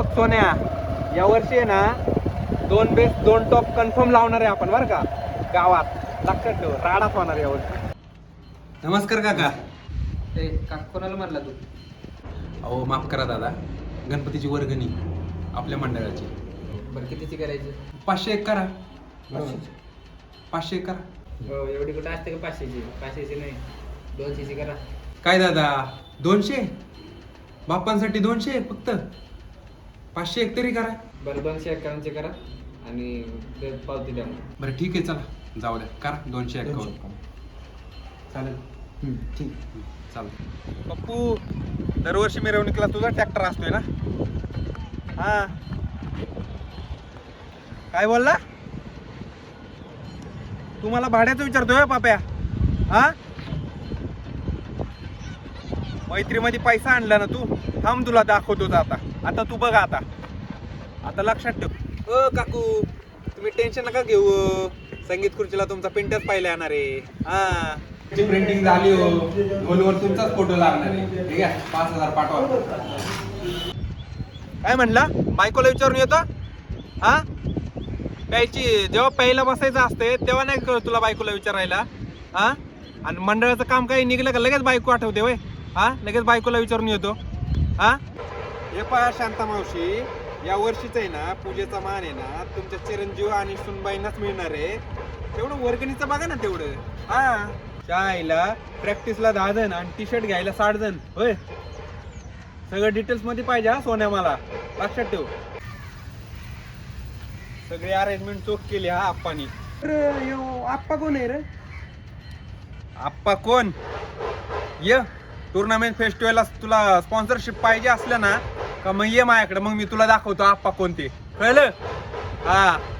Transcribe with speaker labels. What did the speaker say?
Speaker 1: बघ सोन्या, या वर्षी आहे ना 2 बेस 2 टॉप कन्फर्म लावणार आहे आपण बरं का गावात. लक्षात ठेव, राडाच होणार यावर्षी. नमस्कार काका.
Speaker 2: ते कोणाला मारला तू?
Speaker 1: अहो माफ करा दादा, गणपतीची वर्गणी आपल्या मंडळाची
Speaker 2: बरं कितीची करायची?
Speaker 1: 500 एक करा. 500 एक करा.
Speaker 2: हो, एवढी कुठं असते का 500ची? 500ची नाही, 200ची करा.
Speaker 1: काय दादा 200? बाप्पांसाठी 200 फक्त? 500 एक तरी करा.
Speaker 2: बरं 251ची करा आणि पावती द्या मग.
Speaker 1: बरं ठीक आहे, चला जाऊ द्या, करा 251. चालेल.
Speaker 2: ठीक.
Speaker 1: चालेल. पप्पू, दरवर्षी मिरवणुकीला तुझा ट्रॅक्टर असतोय ना? हा, काय बोलला? तुम्हाला भाड्याचं विचारतोय पाप्या? हा, मैत्रीमध्ये पैसा आणला ना तू? थांब तुला दाखवतोच आता. आता तू बघा आता लक्षात ठेव. काकू, तुम्ही टेन्शन नका घेऊ. संगीत खुर्चीला तुमचा पिंटच पाहिला येणार आहे. हा, प्रिंटिंग झाली हो, गोलवर तुमचाच फोटो लागणार आहे. ठीक आहे, 5000 पाठवा. काय म्हणला? बायकोला विचारून येतो? हा, प्यायची जेव्हा प्यायला बसायचं असते तेव्हा नाही कळत तुला बायकोला विचारायला? हा, आणि मंडळाचं काम काही निघलं का लगेच बायको आठवते वय? हा, लगेच बायकोला विचारून येतो. हा, हे पहा शांता मावशी, या वर्षीच आहे ना पूजेचा मान आहे ना तुमच्या चिरंजीव आणि सुनबाईंनाच मिळणार आहे. तेवढं वर्गणीचं बघा ना तेवढं. हा, शाळेला प्रॅक्टिसला 10 जण आणि टी शर्ट घ्यायला 60 जण. होय, सगळं डिटेल्स मध्ये पाहिजे हा सोन्या, मला लक्षात ठेव. सगळी अरेंजमेंट चोख केली हा आप्पानी. आप्पा कोण आहे रे? आप्पा कोण? ये टुर्नामेंट फेस्टिवलला तुला स्पॉन्सरशिप पाहिजे असलं ना का मग ये माझ्याकडे, मग मी तुला दाखवतो आप्पा कोणते. कळलं? हा.